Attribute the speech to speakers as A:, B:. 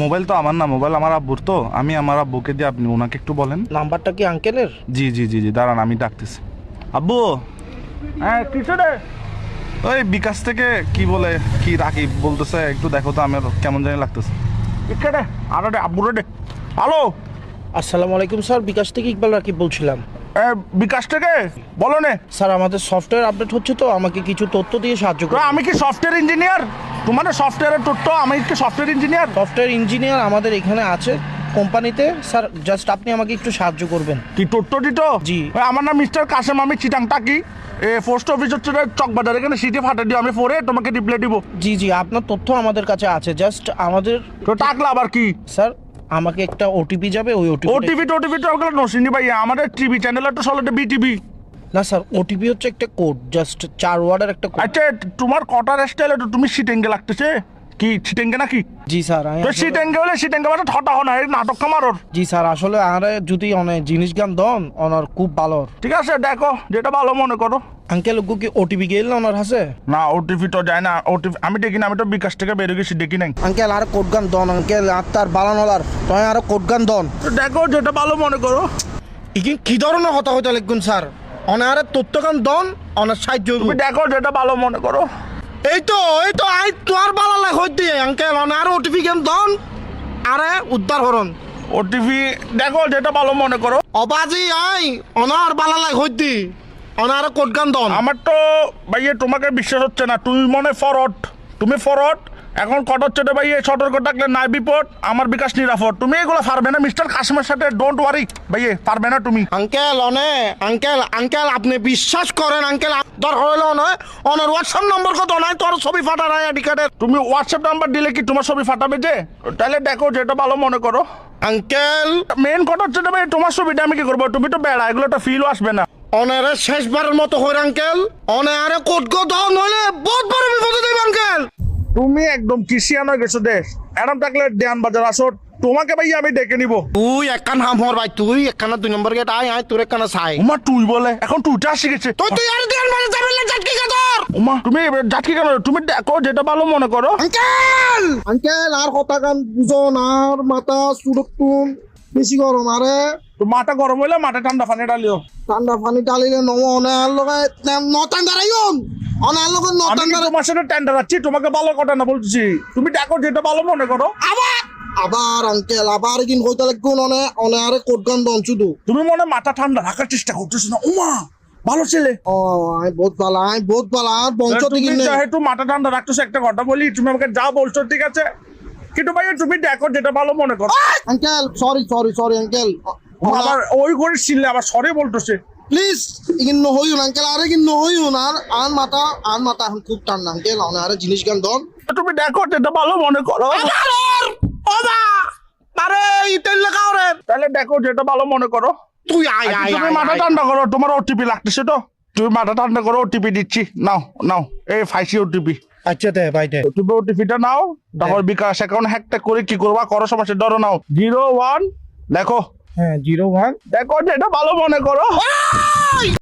A: Mobile তো আমার না, মোবাইল আমার আব্বুর, তো আমি আমার আব্বুকে দিয়ে আপনি ওনাকে একটু বলেন।
B: নাম্বারটা কি আঙ্কেলের?
A: জি জি জি জি, দাঁড়ান আমি ডাকতেছি। আব্বু,
B: হ্যাঁ কিছু রে।
A: ওই বিকাশ থেকে কি বলে কি রাকিব বলতেছে, একটু দেখো তো, আমার কেমন জানি লাগতেছে।
B: ইকে রে, আরে রে আব্বু রে। হ্যালো, আসসালামু আলাইকুম স্যার, বিকাশ থেকে ইকবাল রাকিব বলছিলাম।
A: বিকাশ থেকে বলো নে।
B: স্যার আমাদের সফটওয়্যার আপডেট হচ্ছে, তো আমাকে কিছু তথ্য দিয়ে সাহায্য করুন।
A: আমি কি সফটওয়্যার ইঞ্জিনিয়ার? তোমার সফটওয়্যারের তথ্য, আমি কি সফটওয়্যার ইঞ্জিনিয়ার?
B: সফটওয়্যার ইঞ্জিনিয়ার আমাদের এখানে আছে কোম্পানিতে। স্যার জাস্ট আপনি আমাকে একটু সাহায্য করবেন।
A: কি তথ্য দিত?
B: জি।
A: আমার নাম মিস্টার কাসেম, আমি চিটাংটা কি পোস্ট অফিস হচ্ছে চকবাজার, এখানে সিটি ফাটা দিও, আমি পরে তোমাকে রিপ্লাই দিব।
B: জি জি, আপনার তথ্য আমাদের কাছে আছে, জাস্ট আমাদের
A: তো টাকলা আবার কি?
B: স্যার আমাকে একটা ওটিপি যাবে, ওই
A: ওটিভি তো ওগুলো নসিনি ভাই, আমাদের টিভি চ্যানেল তো চলে বিটিভি।
B: না স্যার, ওটিপি হচ্ছে একটা কোড, জাস্ট 4 ওয়ার্ডের একটা কোড।
A: আচ্ছা, তোমার কটার স্টাইলে তো তুমি সিটেঙ্গে লাগতেছে, কি সিটেঙ্গে নাকি?
B: জি স্যার
A: তো সিটেঙ্গে হলে সিটেঙ্গে মানে ঠটা হন, এই নাটক কামারর।
B: জি স্যার, আসলে আরে যদি অনেক জিনিস গান দন ওনার খুব ভালো।
A: ঠিক আছে, দেখো যেটা ভালো মনে করো।
B: আঙ্কেল ওগু কি ওটিপি গেল না ওনার হাসে?
A: না, ওটিভি তো যায় না, ওটিভি আমি দেখি না, আমি তো বিকাশ থেকে বেরিয়ে গেছি, দেখি নাই।
B: আঙ্কেল আর কোড গান দন, আঙ্কেল আর তার বালানলার তয় আর কোড গান দন।
A: তো দেখো যেটা ভালো মনে করো।
B: ইকিন কি ধরনের হতা হইতে লিখুন স্যার, অনার তথ্য গান দন, অনার সাহায্য হইবো।
A: তুমি দেখো যেটা ভালো মনে করো।
B: এই তো আই তোর বালালা হইতে আঙ্কেল অনার ওটিপি গান দন, আরে উদ্ধার হরন।
A: ওটিভি দেখো যেটা ভালো মনে করো।
B: অবাজি আই অনার বালালা হইতে অনার কোড গান দন।
A: আমার তো ভাইয়ে তোমাকে বিশ্বাস হচ্ছে না, তুমি মনে ফরওয়ার্ড, তুমি ফরওয়ার্ড। এখন কট হচ্ছে রে ভাইয়ে, সতর্ক থাকলে নাই বিপদ, আমার বিকাশ নিরাপদ। তুমি এগুলো পারবে না মিস্টার কাসিমের সাথে, ডোন্ট ওয়ারি ভাইয়ে, পারবে না তুমি।
B: আঙ্কেল আঙ্কেল আপনি বিশ্বাস করেন আঙ্কেল, দরকার হইলো নয় অনার হোয়াটসঅ্যাপ নম্বর কত নাই, তোর ছবি ফাটা নাই আইডি কার্ডের।
A: তুমি হোয়াটসঅ্যাপ নাম্বার দিলে কি তোমার ছবি ফাটাবে যে? তাহলে দেখো যেটা ভালো মনে করো।
B: আঙ্কেল
A: মেন কথা হচ্ছে ভাই, তোমার ছবিটা আমি কি করবো? তুমি তো বেড়া, এগুলো তো ফিলও আসবে না।
B: অনারে শেষবারের মতো হইর আঙ্কেল, অনারে কোট গো দাও নইলে বহুত বড় বিপদে দেব আঙ্কেল।
A: তুমি একদম কিসিয়ান হয়ে গেছো দেশ, এরম থাকলে দেয়ান বাজার আসো, তোমাকে ভাই আমি ডেকে নিবো।
B: তুই একখান হাম হর ভাই, তুই একখানা 2 নম্বর গেট আয় তোর একখানা ছাই।
A: উমা তুই বলে, এখন তুইটা শিখেছে।
B: তুই আর দেন মানে যাবেন না জাটকি কাদর।
A: উমা তুমি যাচ্ছি কেন? তুমি দেখো যেটা ভালো মনে করো।
B: আঙ্কেল আর কথা গান বুঝন, আর মাথা সুরক্ষণ বেশি গরম, আরে
A: তো মাথা গরম হইলে মাথা ঠান্ডা পানি ডালিও।
B: ঠান্ডা পানি ডালিলে নম অনার লগে নটান দাঁড়াইন, অনার লগে
A: আমি
B: নটান
A: কি
B: দাঁড়াই।
A: তোমার সাথে টেন্ডার আছি, তোমাকে ভালো কথা না বলছি। তুমি দেখো যেটা ভালো মনে করো।
B: আবার আঙ্কেল আবার কিন কইতে লাগুন, অনে আরে কোট গান দন শুধু।
A: তুমি মনে মাথা ঠান্ডা রাখার চেষ্টা করতেছো না। উমা ভালো ছেলে,
B: ও আই বহুত ভালো আর বংশ
A: তুমি
B: থেকে নেই।
A: যেহেতু মাথা ঠান্ডা রাখতেছো, একটা কথা বলি, তুমি আমাকে যা বলছো ঠিক আছে, কিন্তু ভাই তুমি দেখো যেটা ভালো মনে করো।
B: আঙ্কেল সরি আঙ্কেল,
A: আবার ওই করে ছিললে আবার সরে বলতেছে।
B: প্লিজ ইগিন নহইউন আঙ্কেল, আরে কিন নহইউন, আর মাথা এখন খুব ঠান্ডা আঙ্কেল, অনে আরে জিনিস গান দন।
A: তুমি দেখো যেটা ভালো মনে করো।
B: আরে ইতেল লাগাও রে।
A: তাহলে দেখো যেটা ভালো মনে করো।
B: তুই আয়
A: তুমি মাথা ঠান্ডা করো, তোমার ওটিপি লাগতেছে তো, তুমি মাথা ঠান্ডা করো, ওটিপি দিচ্ছি, নাও এই ফাইসি ওটিপি।
B: আচ্ছা দে ভাই দে।
A: তুমি ওটিপিটা নাও, তারপর বিকাশ অ্যাকাউন্ট হ্যাকটা করে কি করবা করো, সমস্যা ধরো নাও 01 দেখো।
B: হ্যাঁ 01
A: দেখো যেটা ভালো মনে করো।